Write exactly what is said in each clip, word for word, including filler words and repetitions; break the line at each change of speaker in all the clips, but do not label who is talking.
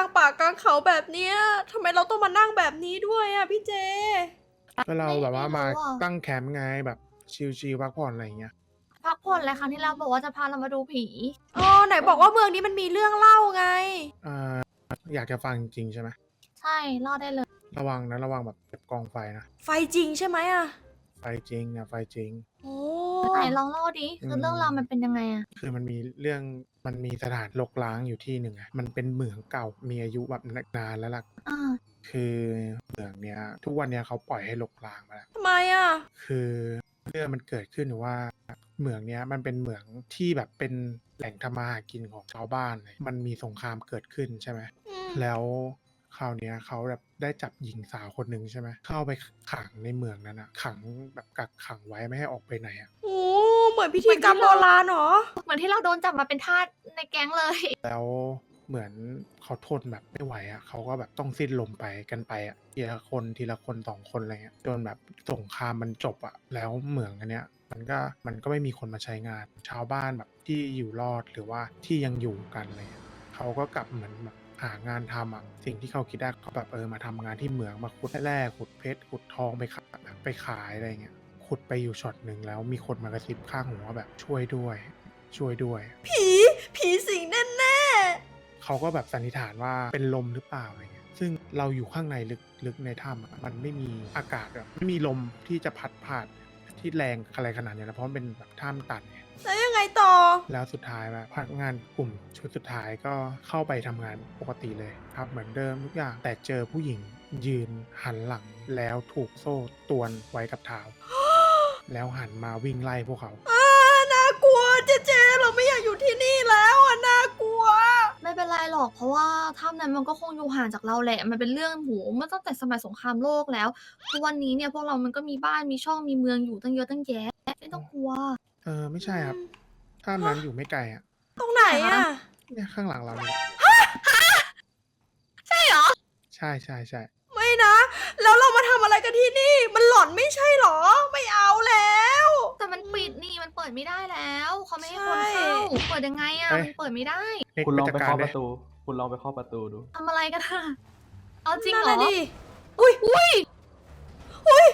างป่ากลางเขาแบบเนี้ยทำไมเราต้องมานั่งแบบนี้ด้วยอ่ะพี่เจ
ก็เราแบบว่ามา
ไม่รู้อะ
ตั้งแคมป์ไงแบบชิลๆพักผ่อนอะไรอย่างเงี้ย
พักผ่อนเลยครั้งที่แล้วบอกว่าจะพาเรามาดูผี
อ๋อไหนบอกว่าเมืองนี้มันมีเรื่องเล่าไง
อ่าอยากจะฟังจริงๆใช่ไหม
ใช่เล่าได้เลย
ระวังนะระวังแบบกองไฟนะ
ไฟจริงใช่ไหมอ่ะ
ไฟจริงนะไฟจริง
โอ้
ไหนลองเล่าดิคือเรื่องราวมันเป็นยังไงอะ
คือมันมีเรื่องมันมีสถานรกร้างอยู่ที่หนึ่งอะมันเป็นเหมืองเก่ามีอายุแบบนานแล้วล่ะ
อ่า
คือเหมืองเนี้ย ทุกวันเนี้ยเขาปล่อยให้รกร้างมาแล้ว
ทำไมอ่ะ
คือเรื่องมันเกิดขึ้นว่าเหมืองเนี้ยมันเป็นเหมืองที่แบบเป็นแหล่งทำมาหากินของชาวบ้านเลยมันมีสงครามเกิดขึ้นใช่ไหม
อืม
แล้วคราวเนี้ยเขาแบบได้จับหญิงสาวคนหนึ่งใช่ไหมเข้าไปขังในเมืองนั้นอะขังแบบกักขังไว้ไม่ให้ออกไปไหนอะ
โอ้เหมือนพิธีกรรมโบราณเหรอ
เหมือนที่เราโดนจับมาเป็นทาสในแก๊งเลย
แล้วเหมือนเขาทนแบบไม่ไหวอะเขาก็แบบต้องสิ้นลมไปกันไปอะทีละคนทีละคนสองคนอะไรเงี้ยจนแบบสงครามมันจบอะแล้วเหมืองอันเนี้ยมันก็มันก็ไม่มีคนมาใช้งาน ชาวบ้านแบบที่อยู่รอดหรือว่าที่ยังอยู่กันอะไรเลยเขาก็กลับเหมือนแบบหางานทำอะสิ่งที่เขาคิดได้เขาแบบเออมาทำงานที่เหมืองมาขุดแร่ขุดเพชรขุดทองไปขายไปขายอะไรเงี้ยขุดไปอยู่ช็อตหนึ่งแล้วมีคนมากระซิบข้างหูว่าแบบช่วยด้วย ช่วยด้วย
ผี ผีสิงแน่
เขาก็แบบสันนิษฐานว่าเป็นลมหรือเปล่าอะไรเงี้ย ซึ่งเราอยู่ข้างในลึกลึกในถ้ำอะมันไม่มีอากาศแบบไม่มีลมที่จะพัดผ่านที่แรงอะไรขนาดนี้นะเพราะมันเป็นแบบถ้ำตันไง
ๆแล้วยังไงต่อ
แล้วสุดท้ายแบบพนักงานกลุ่มชุดสุดท้ายก็เข้าไปทำงานปกติเลยครับเหมือนเดิมทุกอย่างแต่เจอผู้หญิงยืนหันหลังแล้วถูกโซ่ตวนไว้กับเท้า แล้วหันมาวิ่งไล่พวกเขา
อ่าน่ากลัวเจเจ เราไม่อยากอยู่ที่นี่แล้วอ่ะน่ากลัว
ไม่เป็นไรหรอกเพราะว่าถ้ำนั้นมันก็คงอยู่ห่างจากเราแหละ มันเป็นเรื่องหูเมื่อตั้งแต่สมัยสงครามโลกแล้วทุกวันนี้เนี่ยพวกเรามันก็มีบ้านมีช่องมีเมืองอยู่ตั้งเยอะตั้งแยะไม่ต้องกลัว
เออไม่ใช่ครับถ้ำนั้นอยู่ไม่ไกลอ่ะ
ตรงไหนอ่ะ
เนี่ยข้างหลังเราเนี่ย
ใช่เหรอ
ใช่ใช่ใช่
ไม่นะ แล้วเรามาทำอะไรกันที่นี่ มันหลอนไม่ใช่เหรอ ไม่เอาแล้ว
แต่มันปิดนี่มันเปิดไม่ได้แล้วเขาไม่ให้คน
ใช่
เข้าเปิดยังไงอะมันเปิดไม่ได้
เล็ก
คุณลอง
จัด
ไป
การ
เคาะ
เล
ป
ย
ระตู คุณลองไปเคาะประตูดู
ทำอะไรกันอะเอาจริง
นั่น
เหรอ
น่ะดิอุ้ย
อุ้ย
อุ้ย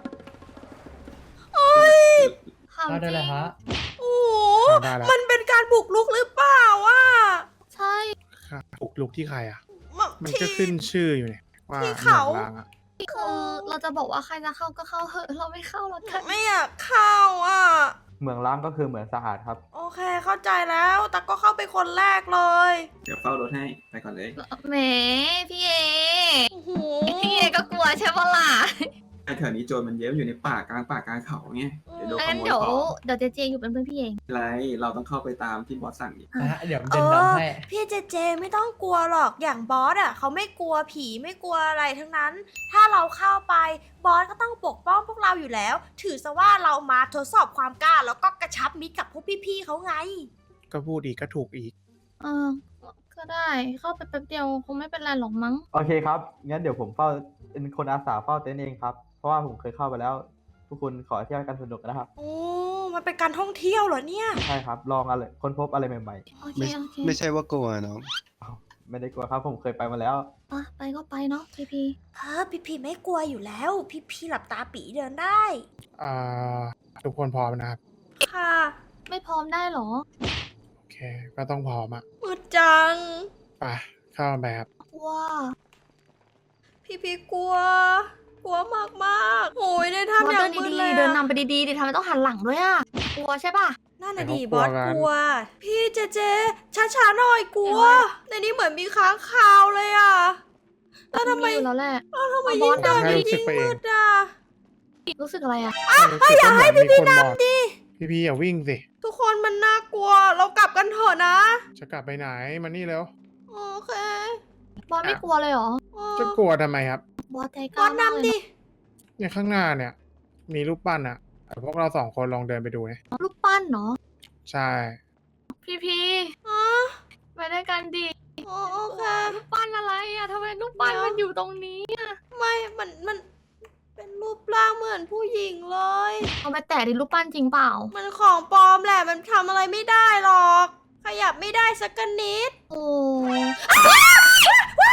อุ้ย
ถาม
เข้า
จ
ได้
ริ
เลย
ง
ฮะ
โอ้โห
เข้าได้แล้ว
มันเป็นการบุกรุกหรือเปล่าอ่ะ
ใช่
ค่ะปลุกลุกที่ใครอ่ะ
มา
มันก็
ที่
ขึ้นชื่ออยู่เนี่ยว่า
ที่
เหมื
เขา
องล้างอ่ะ
คือเราจะบอกว่าใครจะเข้าก็เข้าเหอะเราไม่เข้าแล้วกัน
ไม่อยากเข้าอ่ะ
เหมืองล้างก็คือเหมืองสะอาดครับ
โอเคเข้าใจแล้ว แต่ก็เข้าไปคนแรกเลย
เดี๋ยวเฝ้ารถให้ ไปก่อนเลย
แหมพี่เอ
โอ้โห
พี่เอก็กลัวใช่ปะล่ะ
ไอ้แถวนี้โจรมันเยอะอยู่ในป่ากลางป่ากลางเขาไงเดี๋ยวโดนข
งั้น
โมย
เดี๋ยว
ของ
เดี๋ยวเจเจอยู่เป็นเพื่อนพี่เอง
ไรเราต้องเข้าไปตามที่บอสสั่งดิ
นะฮะ เดี๋ยว
เอ
เดิน
อ
นำให้
พี่เจเจไม่ต้องกลัวหรอกอย่างบอสอ่ะเขาไม่กลัวผีไม่กลัวอะไรทั้งนั้น ถ้าเราเข้าไปบอสก็ต้องปกป้องพวกเราอยู่แล้ว ถือซะว่าเรามาทดสอบความกล้า แล้วก็กระชับมิตรกับพวกพี่ๆเขาไง
ก็พูดอีกก็ถูกอีก
เออ ก็ได้เข้าไปแป๊บเดียวคงไม่เป็นไรหรอกมั้ง
โอเคครับ งั้นเดี๋ยวผมเฝ้าเป็นคนอาสาเฝ้าเต็นท์เองครับ เพราะว่าผมเคยเข้าไปแล้ว ทุกคนขอเที่ยวกันสนุกนะครับ
โอ้ มันเป็นการท่องเที่ยวเหรอเนี่ย
ใช่ครับ ลองอะไรค้นพบอะไรใหม่
โอเค
ไม่
โอเค
ไม่ใช่ว่ากลัวน้อง
ๆอ้าวไม่ได้กลัวครับ ผมเคยไปมาแล้ว
อ่ะไปก็ไปเนาะพี่พี
เออพี่ๆไม่กลัวอยู่แล้ว พี่ๆหลับตาปีเดินได้
อ่า ทุกคนพร้อมนะครับ
ค่ะ
ไม่พร้อมได้เหรอ
โอเค ก็ต้องพร้อมอ่ะ
มืดจัง
ไปเข้ามาไปครับ
ว่า
พี่ๆกลัว กลัวมากมากๆโอ้ยใน
บอส
ถ้ำอย่า
เดิ
ง
น
มืด
ดี
เลย
ๆ
อะ
เดินนำไปดีๆดิทำไมต้องหันหลังด้วยอ่ะ กลัวใช่ป่ะ
นั่นน่ะ
แต่
ดิ
เขา
บอส
กลัวกัน
กลัว พี่เจเจช้าๆหน่อยกลัว ในนี้เหมือนมีค้างคาวเลยอ่ะ แล้วทำไม
อยู่แล้วแหละ
แล้วทำไม
เอาบ
ยิ่
อง ส
เดิน
นำดิ
ยิ่งมืดอ่ะ
รู้สึกอะไรอ่ะ
อย่าให้พี่พี่นำดิพี่พี่อย่าวิ่งสิ
ทุกคนมันน่ากลัว เรากลับกันเถอะนะ
จะกลับไปไหนมานี่เร็ว
โอเค
บอสไม่กลัวเลยเหรอ
เออ
จะกลัวทำไมครับ
บอสใจก
บ
ล้า
อส
มากเลย
นำดิ
เนี่ยข้างหน้าเนี่ย มีรูปปั้นอ่ะแต่พวกเราสองคนลองเดินไปดูนะ
รูปปั้นเนาะ
ใช่
พี่พี
อ๋อ
ไปด้วยกันดิ
อ๋อโอเค
รูปปั้นอะไรอ่ะทำไมรูปปั้นมันอยู่ตรงนี้อ่ะ
ไม่ มัน มัน เป็นรูปร่างเหมือนผู้หญิงเลย
เอาไปแตะดิรูปปั้นจริงเปล่า
มันของปลอมแหละ มันทำอะไรไม่ได้หรอก ขยับไม่ได้สักนิด
โอ้
ว้ายว้าย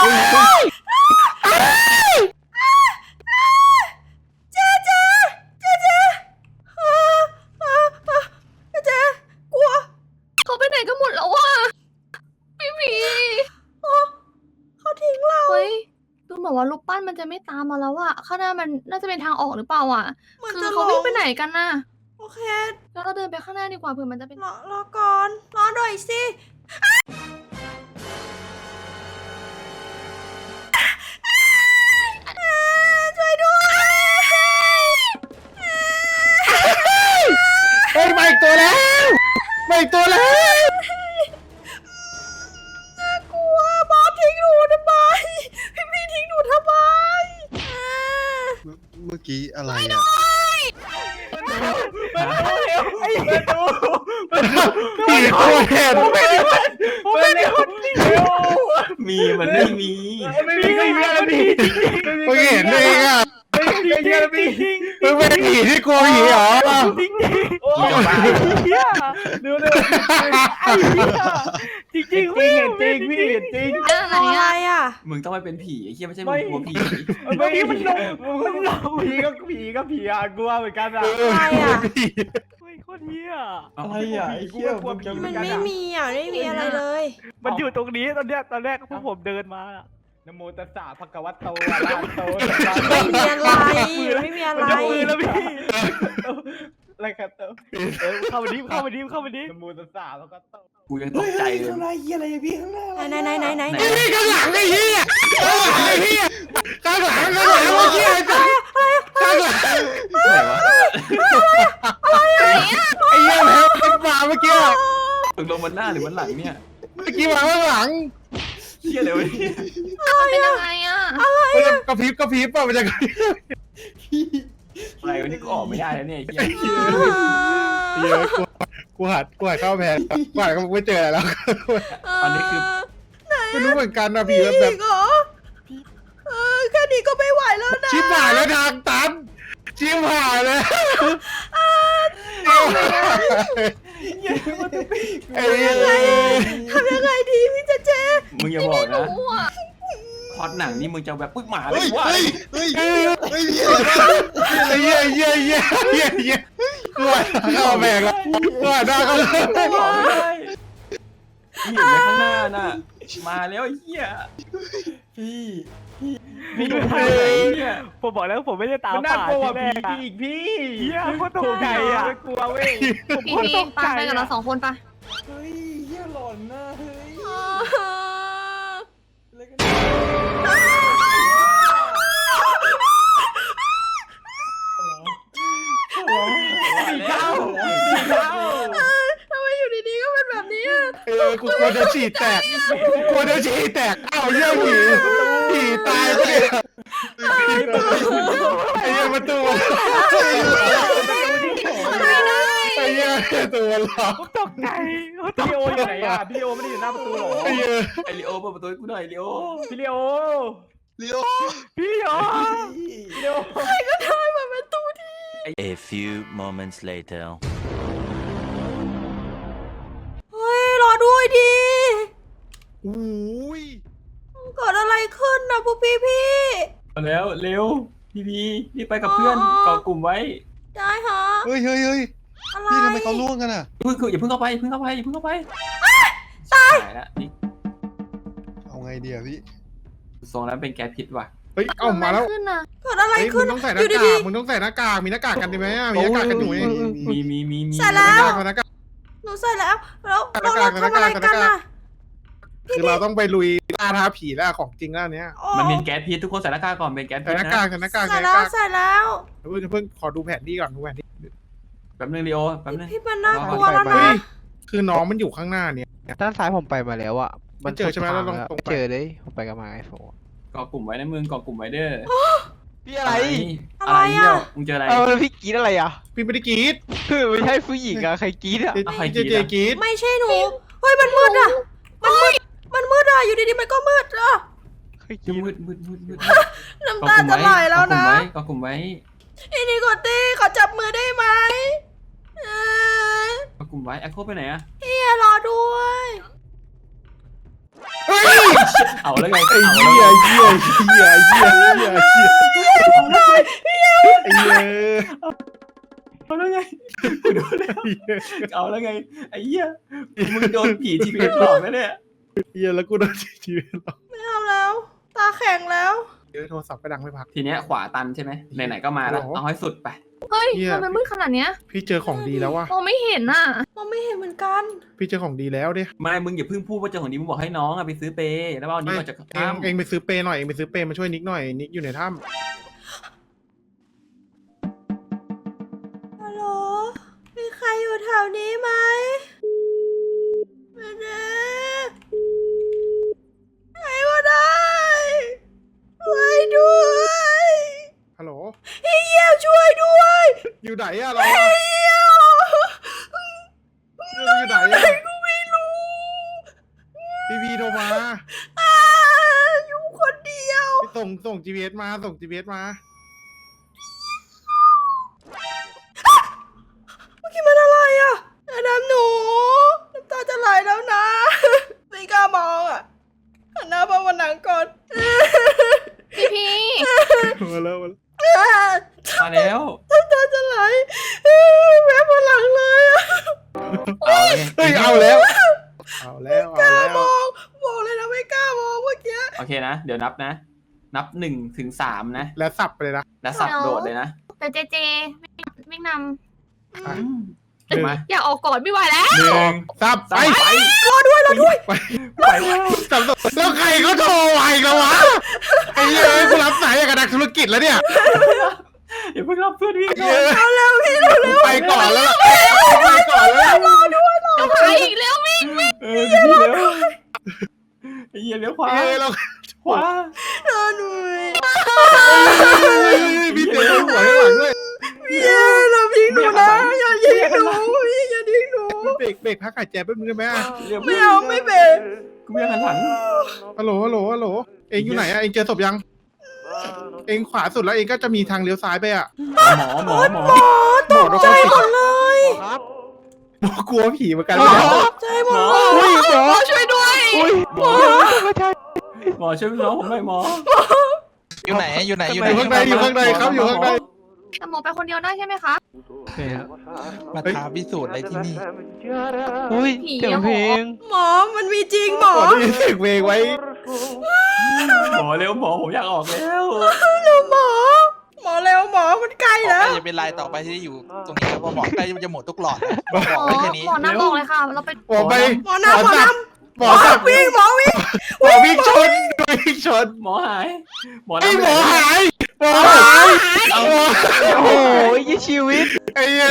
เจ๊เจ๊เจ๊เจ๊เออเออเออเจ๊กลัว
เขาไปไหนกันหมดแล้ววะพี่หมี
เขาทิ้งเรา
เฮ้ยดูเหมือนว่ารูปปั้นมันจะไม่ตามมาแล้วอะข้างหน้ามันน่าจะเป็นทางออกหรือเปล่าอะ
เหมือน
คื
จะ
อ
หล
เขาวิ่ง
ง
ไปไหนกันน่ะ
โอเค
แล้วเราเดินไปข้างหน้าดีกว่าเผื่อมันจะเป็น
รอรอก่อนรอหน่อยสิช่วยด้วย
เฮ้ยมาอีกตัวแล้วมาอีกตัวแล้ว
น่ากลัวบอสทิ้งหนูทำไมพี่พี่ทิ้งหนูทำไมอ่า
เมื่อกี้อะไรอ่ะ
ผีโคตรเห็น
มีมันไม่มี
ไม่มีไม่มีอะไรผีมึงเห็นเองอ่ะมึงเป็นผีที่กลัวผีเหรอ
จริงจริงพี่เห็นจริงพี่เห็นจริง
อะไร
อะไร
อะ
อ่ะ
มึงต้องไปเป็นผีไอ้เหี้ยไม่ใช่มึงกลัวผี
เมื่อกี้มันลงมันลงผีก็ผีก็ผีอ่ะกลัวเหมือนกันอ่ะ
อะไรอ่ะ
เฮ้ยโคตรเฮีย
อะไร
อ่ะไอ้เหี้ยกลัวผีเหมื
มั
อน นกัน
ไม่
อ่ะ
มีอ่ะไม่มีอะไรเลย
มันอยู่ตรงนี้ตอนเนี้ยตอนแรกพวกผมเดินมาอะนะโมตัสสะภะคะวะโตอะระหะโตสัมมาสั
ไม่
ม
มี
พุทธัส
อะไร
สะ
ไม่มีอะไร
มันยกมือแล้วพี่อะไรครับเตอเออเข้ามาดิเข้ามาดิเข้ามาดินะโมตัสสะภะคะวะโต
กูยังตกใจเลย
ไหนไหนไหนไหนไหน
ไอ้นี่ข้างหลังไอ้เหี้ยข้างหลังไอ้เหี้ยข้างหลังข้างหลังเมื่อกี้ไอ้จังข้างหลัง
ไหนวะ
ไอ้เหี้ยแมวมันมาเมื่อกี้
ตกลงมันหน้าหรือมันหลังเนี่ย
เมื่อกี้มาข้างหลัง
เหี้ยเลยวะเนี่ย
มันเป็นยังไงอะ
มันจะกระพริบกระพริบป่ะมันจะกระพริบ
อะไรวะนี่กูออกไม่ได้แล้วเนี่ยไอ้เหี้ย
เหี้ยกูกูหัดกูหัดเข้าแพนกูหัดก็ไม่เจออะไรแล้ว
ตอนนี้คือ
ไม่รู้เหมือนกันนะผีแบบ
อีกเหรอเออแค่นี้ก็ไม่ไหวแล้วนะ
ชิบหายแล้วทางตันชิบหายแล้วไอ้เหี้ย
ทำยังไงดีพี่เจเจ
มึงอย่าบอกนะ
รู้อะ
พอดหนังนี่มึงจะแบบปึ๊กหมาเล
เฮ้
ย
ย
ว่า
เฮ้ยเฮ้ยเฮ้ย
ไอ้เหี้ยเหี้ยเหี้ยเหี้ยเหี้ยกูหัดเข้าแพนแล้วกูหัดหน้าเข้า
ออกไม่ได้เห็นไหมข้างหน้าน่ะมาแล้วไอ้เหี้ย
พี่ดู
ไอ้เหี้ย
ผมบอกแล้วผมไม่ได้ตาม
มันน่ากลัว
ป่า
ผี
ที่แรกอะ
อีกพี่
เฮียโคตรตกใจอ่ะ
ไม่กลัวเว้ย
ผม
พี่
โคตร
พี่
ตก
ปา
ใจ
ไปกับเราสองคนปะ
เฮ้ยเฮียหลอนนะเฮ้ย
ผีเข้า
ผีเข้า
ทำไมอยู่ดีๆก็เป็นแบบนี้อะ
เออกูกลัวจะฉี่แตกกูกลัวจะฉี่แตกอ้าวเหี้ยผีผีตายไปเนี่ยไอ้เหี้ยประตูไอ้เหี้ยประตูล็อก
ตกใจ
พี่โออยู่ไหนอ่ะพี่โอไม่ได้อยู่หน้าประตูหรอ
ไอ้เหี้ย
ไอริโอเปิดประตูให้กูหน่อยริโอ
พี่เลโอ
เลี้ยว
พี่โอ
พี่เลโอ
A few moments later.
เฮ้ยรอด้วยดิ
โอ้ย
เกิดอะไรขึ้นนะพวกพี่พี่
มาแล้วเร็วพี่พีรีบไปกับเพื่อนเกาะกลุ่มไว้
ๆได้ฮะ
เฮ้ยเฮ้ยเฮ้ย
อะไร
นี่ทำไมเขาล่วงกันอ่ะ
เพิ่งคืออย่าเพิ่งเข้าไปอย่าเพิ่งเข้าไปอย่าเพิ่งเข้าไปตายแล้วนี่
เอาไงดีอ่ะพี่
ทรงนั้นเป็นแก๊สพิษว่ะ
เฮ้ยเอามาแล้ว
ขึ้นอะ
เกิดอะไร
เฮ้ยมึ
ขึ้น
งต้องใส่ห
อ
น้า
ยู่
กา
ดี
กมึงต้องใส่หน้ากากมีหน้ากากกันดีไหมอะมีหน้ากากกันอยู่นี่
มีมีมีมี
ใส่แล้ว
หน้ากากหน้ากาก
ๆหนูใส่แล้วแล้ว
ห
เรา
น้ากาก
เราทำอะไร
หน้ากาก
กันอะ
คือเราต้องไปลุยล่าท้าผีแล้วของจริงแล้วเนี้ย
โอ้
มันเป็นแก๊สพิษทุกคนใส่หน้ากากก่อนเป็นแก๊ส
ใส่
พิษ
หน้า
นะ
กากใส่หน้ากาก
ใส่
ใส่ห
แล้
น้าว กาก
ใส่แล้ว
เพิ่งเพิ่งขอดูแผนที่ก่อนดูแผนที่
แป๊บนึงริโอแป๊บนึง
พี่มันน่ากลัว
เอา
แล้ว
ไป
นะ
เฮ้ยคือน้องมันอยู่ข้างหน้าเนี่ย
ด้านซ้ายผมไปมาแล้วอะ
มันเจอใช่ไหมเราลองตรงไป
ไม่เจอเลยผมไปกับมาไอโฟน
เกาะกลุ่มไว้นะมึงเกาะกลุ่มไว้เด้อ
พี่อะไร
อะไรเนี่ยมึงเจออะไร
เออพี่กรีดอะไรอะ
พี่ไม่ได้กรีด
คือไม่ใช่ผู้หญิงอะใครกรีดอะ
เจ
เอาใคร
เจ
กรี๊ด
เจ
อะ
กรีด
ไม่ใช่หนูเฮ้ยมันมืดอะมันมืดมันมืดอะอยู่ดีๆมันก็มืดอะ
ใครกรีด
มืดมืดมืดมืด
น้ำตาจะไหลแล้วนะ
เกาะกลุ่มไว้
อีนี่กดตี้ขอจับมือได้ไหมเออ
เกาะกลุ่มไว้แอคโคไปไหนอะ
พี่รอด้วย
เฮ้ย
เอาแล้วไง
ไอ้
เอา
เหี้
แล้ว
ย
ไง
เหี้ยเหี้ยเหี้ยเหี้ยเหี้ยไอ้เหี้ย
เอาแล้วไงกูโดนแล้วเอาแล้วไงไอ้เหี้ยมึงโดนผีทีเอสหลอกแล้วเนี่ย
เหี้ยแล้วกูโดนชีวิตหรอก
ไม่เอาแล้ว ตาแข็งแล้ว
เดี๋ยวโทรศัพท์ไปดังไม่พัก
ทีเนี้ยขวาตันใช่ไหมไหนๆก็มาแล้ว
โอ้โห
เอาให้สุดไป
เฮ้ย
เหี้ย
ทำไมมืดขนาดเนี้ย
พี่เจอของดีแล้วว่ะ
มองไม่เห็นน่ะ
มองไม่เห็นเหมือนกัน
พี่เจอของดีแล้วดิ
ไม่มึงอย่าเพิ่งพูดว่าเจ้าของนี้มึงบอกให้น้องอะไปซื้อเปย์แล้วเอานี้ออกจาก
เอง
ถ้ำ
เองไปซื้อเปย์หน่อยเองไปซื้อเปย์มาช่วยนิกหน่อยนิกอยู่ในถ้
ฮัลโหล มีใครอยู่แถวนี้ไหมไม่ได้ใครก็ได้ช่วยด้วย
ำฮัลโหล
พี่เยี่ยวช่วยด้วย
อยู่ไหนอะเราอะ
พี่เยี่ยว
อยู่ไหนอะ
กูไม่รู้
พี่พีโทรมา
อ่าอยู่คนเดียว
พี่ส่งส่ง จี พี เอส มาส่ง จี พี เอส มา
เมื่อกี้มันอะไรอ่ะอาดำหนูน้ำตาจะไหลแล้วนะ ไม่กล้ามองอ่ะหันหน้ามาวันหนังก่อน
พี่พี
มาแล้วมาแล้ว
มาแล้ว
น้ำตาจะไหลแวบวันหลังเลยอ่ะ
เอาเลย
เฮ้ยเอาแล้ว เอาแล้วเอาแล้ว
มองบอกเลยนะไม่กล้ามองเมื่อกี้
โอเคนะ เดี๋ยวนับนะ นับหนึ่งถึงสามนะ
แล้วสับไปเลยนะ
แล้วสับโดดเลยนะ
แต่เจเจไม่น
อ่ะ
ถูกไหม
ำอยากออกก่อนไม่ไหวแล้ว
หนึ่งสับไป
ไป
รอด้วยรอด้วย
ไป
ไปแล้ว
สับแล้วใครเขาโทรไวกันวะไอ้เหี้ยกูรับสายอย่างกับนักธุรกิจแล้วเนี่ย
อย่าเพิ่งรับเพื่อนพี่
เหี้ย
เอาเร็วพี่เร็วเร็ว
ไปก่อนแล้วล่ะไปก่อนแล้วล่ะ
จะไปอีกแล้วมิง
เออพี่เร็วไอ้เหี้ยเลี้ยวขวา
เฮ้ยเรา
ขวาร
อหน่อย
มีเสียงหัวข้างหลังด้วย
พี่เราพิงหนูนะอย่ายิงหนูพี่อย่ายิงหนู
เบรกเบรกพักหายใจแป๊บนึงได้ไหมอะ
เร็ว
ไม่เอาไม่เบรก
กูไม่อยากหันหลัง
ฮัลโหลฮัลโหลฮัลโหลเองอยู่ไหนอะเองเจอศพยัง เองขวาสุดแล้วเองก็จะมีทางเลี้ยวซ้ายไปอะ
หมอหมอหมอ
อ๋อตกใจหมดเลย
หมอกลัวผีเหมือนกัน
หม
เลย
อ
นะ
ตกใจหมดเลย
อุ้ยหมอ
หมอช่วยด้วย
หมอหมอช่วยน้องผมหน่อยหมอ
อยู่ไหนอยู่ไหนอยู่
อ
ไหน
ยู่ข้างในอยู่ข้างในครับอยู่ข้างใน
แต่หมอไปคนเดียวได้ใช่ไหมคะ
มาท้าพิสูจน์อะไรที่นี่อุ้ย
ผี
เสียง
อะ
เพลง
หมอมันมีจริงหมอ
หมอได้ยินเสียงเพลงไว้
หมอเร็วหมอผมอยากออกแล้ว
เร็วหมอ หมอเร็วหมอมันใกล้
ต่อ
แล้
ไป
ว
จะเป็นลายต่อไปที่ได้อยู่ตรงนี้แล้วพอบอกใกล้จะหมดทุกหลอดบอ
หมอ
กไว้แค่นี้
หมอน้ำบอกเลยค่ะ เราไป
หมอไป
หมอน้ำหมอ
สั
น้
บ
ำ
หมอสับ
วิ่งหมอวิ่ง
หมอวิ่งชนวิ่งชน
หมอหายหมอ
ไอ้
น้ำ
หมอ
ไหน
หายหมอหาย
เอา
โอ้ยยี่ชีวิต
ไอ้เหี้ย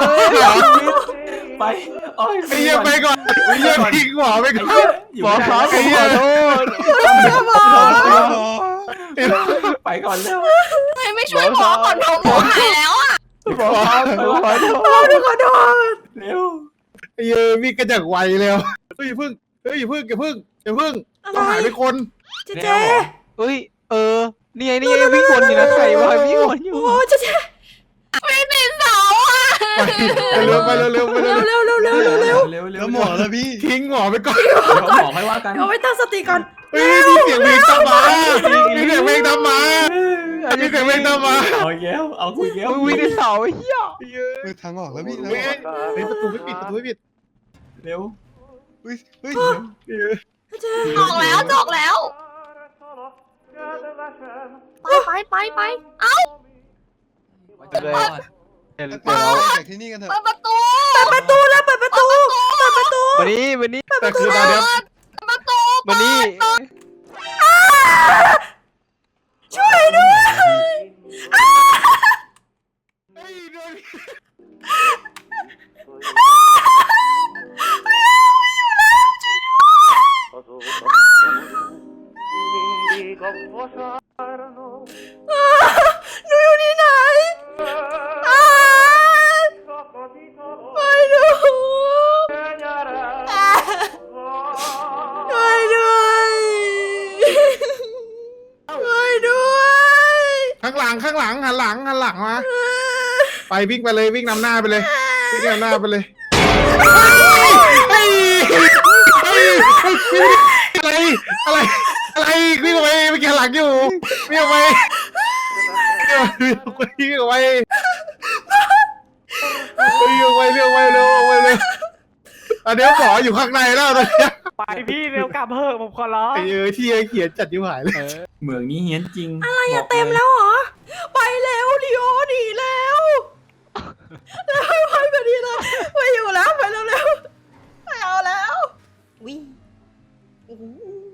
ไปโอ้ย
ไอ้เหี้ยไปก่อนไอ้เหี้ยทิ้งหมอไป
ไอ้
ก่อ
เหี้ย
น
อยู่
หมอ
ไม่
ค
ได้
รับผมขอโทษ
ไปก่อนแล้ว
ทำไมไม่ช่วยหมอก่อนหมอหมอหายแล้วอ่ะ
หมอครับผมขอโทษ
หมอขอโทษ
เร็ว
ไอ้เหี้ยวิ่งกระจักไวเร็วเฮ้ยอย่าพึ่งเฮ้ยอย่าพึ่งอย่าพึ่งอย่าพึ่งต้องหายไปคน
เจเจ
เอ้ยเออนี่ไงนี่ไงวิ่งวนอยู่นะใครวะวิ่งวนอยู่
โอ้เจเจ
ไม่เป็นเสาอ่ะ
ไปเร็วไปเร็วเร็วไปเร็ว
เร็วเร็วเร็วเร็วเร็ว
เร็วเร็ว
แล้วหมอแล้วพี่
ทิ้งหมอไปก่อน
เดี๋ยวหมอค่อยว่ากัน
เอาไว้ตั้งสติก่อน
เฮ้ยมีเสียงเพลงตามมามีเสียงเพลงตามมามีเสียงเพลงตามมา
เอาแก้วเอาคุยแก้ว
มึงวิ่งในเสาไอ้เหี้ย
เฮ้ยทางออกแล้วพี่แล้ว
เฮ้ยเฮ้ยประตูไม่ปิดประตูไม่ปิด
เร็ว
เฮ้ยเฮ้ย
เจ
ออกแล้วจะออกแล้ว ไปไปไปไปเอ้า
เดี๋ยว
เดี๋ยวเราจากที่นี่กันเถอะ
เปิดประตู
เปิดประตูแล้วเปิดประตูเปิดประตู
วันนี้วันนี้
แต่คือตอนเนี้ย
เปิดประตู
วันนี้
ช่วยด้วย
เฮ้ยโดน
หนูอยู่ที่ไหนอ่าไปดูอ่าช่วยด้วยช่วยด้วย
ข้างหลังข้างหลังหันหลังหันหลังมาไปวิ่งไปเลยวิ่งนำหน้าไปเลยวิ่งนำหน้าไปเลยเฮ้ยเฮ้ยเฮ้ยอะไรอะไรอะไรวิ่งออกไปเมื่อกี้หลังอยู่วิ่งออกไปวิ่งออกไปวิ่งออกไปวิ่งออกไปวิ่งออกไปเร็วออกไปเลยอันเนี้ยหมออยู่ข้างในแล้วตอนเนี้ย
ไปพี่เร็วกลับเถอะผมขอร้อง
ไอ้เออที่เขียนจัดยิ่หายเลย
เหมืองนี้เฮี้ยนจริง
อะไร
บ
อะ
ก
เต็มแล้วเหรอ ไปแล้วดิโอหนีแล้วแล้วไปพอดีเลยไปอยู่แล้วไปเร็วๆไม่เอาแล้ววิ่งโอ้โห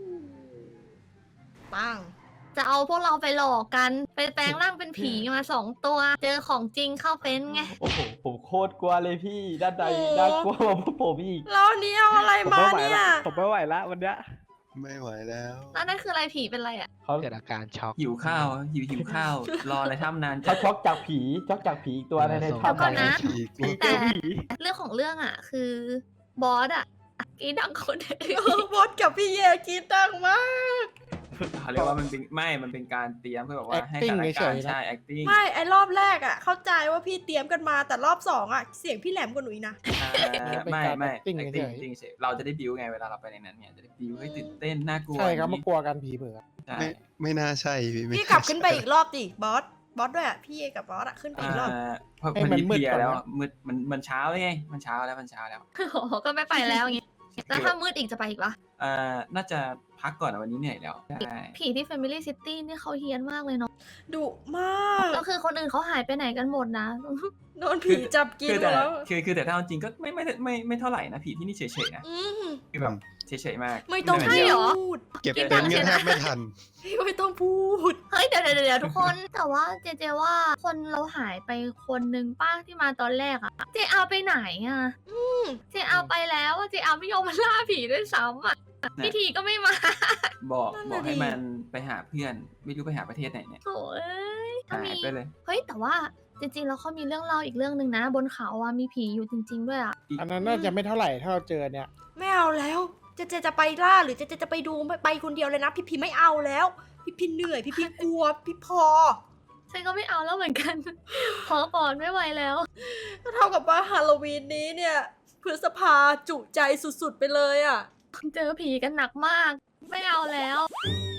ปัง
จะเอาพวกเราไปหลอกกันไปแปลงร่างเป็นผีมาสองตัว เจอของจริงเข้าเป็นไง
โอ้โหผมโคตรกลัวเลยพี่ด้านใดน่ากลัวกว่าพวกผมอีก
แล้วอันนี้เอาอะไร
ผม
มา
ไม่ไหว
เนี่
ละ
ย
ผมไม่ไหวละวันเนี้ย
ไม่ไหวแล้ว
แล้วนั่นคืออะไรผีเป็นอะไรอ่ะ
เขา
เกิดอาการช็อก
หิวข้าวหิวหิวข้าว รอในถ้ำนาน
เขาช็อกจากผีช็อกจากผีอีกตัวในใน
ส่ง
ถ้ำ
ก่อนนะ
อีก
ผีเจ
แต่
อผี
เรื่องของเรื่องอ่ะ คือบอสอ่ะอีดังคนเดียว
เออบอสกับพี่เยกินดังมาก
เขาเรียกว่ามันเป็นไม่ มันเป็นการเตรียมเพื่อแบบว่าให้สถาน
acting
การณ์
เฉยๆนะ
ใช่ acting
ไม่ไอรอบแรกอะเข้าใจว่าพี่เตรียมกันมาแต่รอบสองอะเสียงพี่แหลมกว่าหนูอีกนะ
อ่าไม่ไม่
acting
acting
เฉยๆ
acting เฉยเราจะได้บิวไงเวลาเราไปในนั้นเนี่ยจะได้บิวให้ตื่นเต้นน่ากลัว
ใช่ครับ
อย่
มาง กลัวกันผีเผือก
ใช่
ไม่ไม่น่าใช่พี่ไม่
พี่กลับขึ้นไปอีกรอบดิบอสบอสด้วยอะพี่เอกับบอสอะขึ้นไปอีกรอบ
อ่าเพราะ
ให้
มัน
มัน
มี
มืด
เพลีย
ก่อน
แล้ว
นะ
อะมืดมันมันเช้าเลยไงมันเช้าแล้วมันเช้าแล้ว
โอ้โหก็ไม่ไปแล้วอย่างงี้แล้วถ้ามืดอีกจะไปอีกปะ
อ่าน่าจะพักก่อนอะวันนี้เหนื่อยแล้วใช่
ผีที่ Family City นี่เขาเฮี้ยนมากเลยเนาะ
ดุมาก
ก็คือคนอื่นเขาหายไปไหนกันหมดนะ
โดนผีจับกิน
คือ
หม
แต่
ดแล้ว
คือคือแต่ถ้าเอาจริงก็ไม่ไม่ไม่ไม่ไม่เท่าไหร่นะผีที่นี่เฉยๆนะ
อืม
คือแบบเฉยๆมาก
ไม่ต้อง
เหนื่
ใช่
ย
เหรอ
พูด
เก็บเต็นท์กันแทบไม่ทัน
ไม่ต้องพูด
เฮ้ยเดี๋ยวเดี๋ยวเดี๋ยวทุกคน แต่ว่าเจเจว่าคนเราหายไปคนนึงป้าที่มาตอนแรกอะเจเอาไปไหนอะเจเอาไปแล้วอะเจเอาไม่ยอมมาล่าผีด้วยซ้ำอะพิธีก็ไม่มา
บอก
นั่น
บ
น่ะ
อกให้
ดิ
มันไปหาเพื่อน ไม่รู้ไปหาประเทศไหนเนี่ย
โถ่เอ้ยถ้า
หาย
มี
ไปเลย
เฮ้ยแต่ว่าจริงๆแล้วเขามีเรื่องเล่าอีกเรื่องหนึ่งนะ บนเขาอะมีผีอยู่จริง ๆ ด้วยอะ
อันนั้นน่าจะไม่เท่าไหร่ถ้าเราเจอเนี่ย
ไม่เอาแล้วเจเจจะไปล่าหรือเจเจจะไปดูไม่ไปคนเดียวเลยนะ พี่พีไม่เอาแล้ว พี่พีเหนื่อยพี่พีกลัวพี่พอ
ฉันก็ไม่เอาแล้วเหมือนกัน ขอก่อนไม่ไหวแล้ว
ก็เท่ากับว่าฮาโลวีนนี้เนี่ยพฤษภาจุใจสุดๆไปเลยอะ
เจอผีกันหนักมาก ไม่เอาแล้ว
อ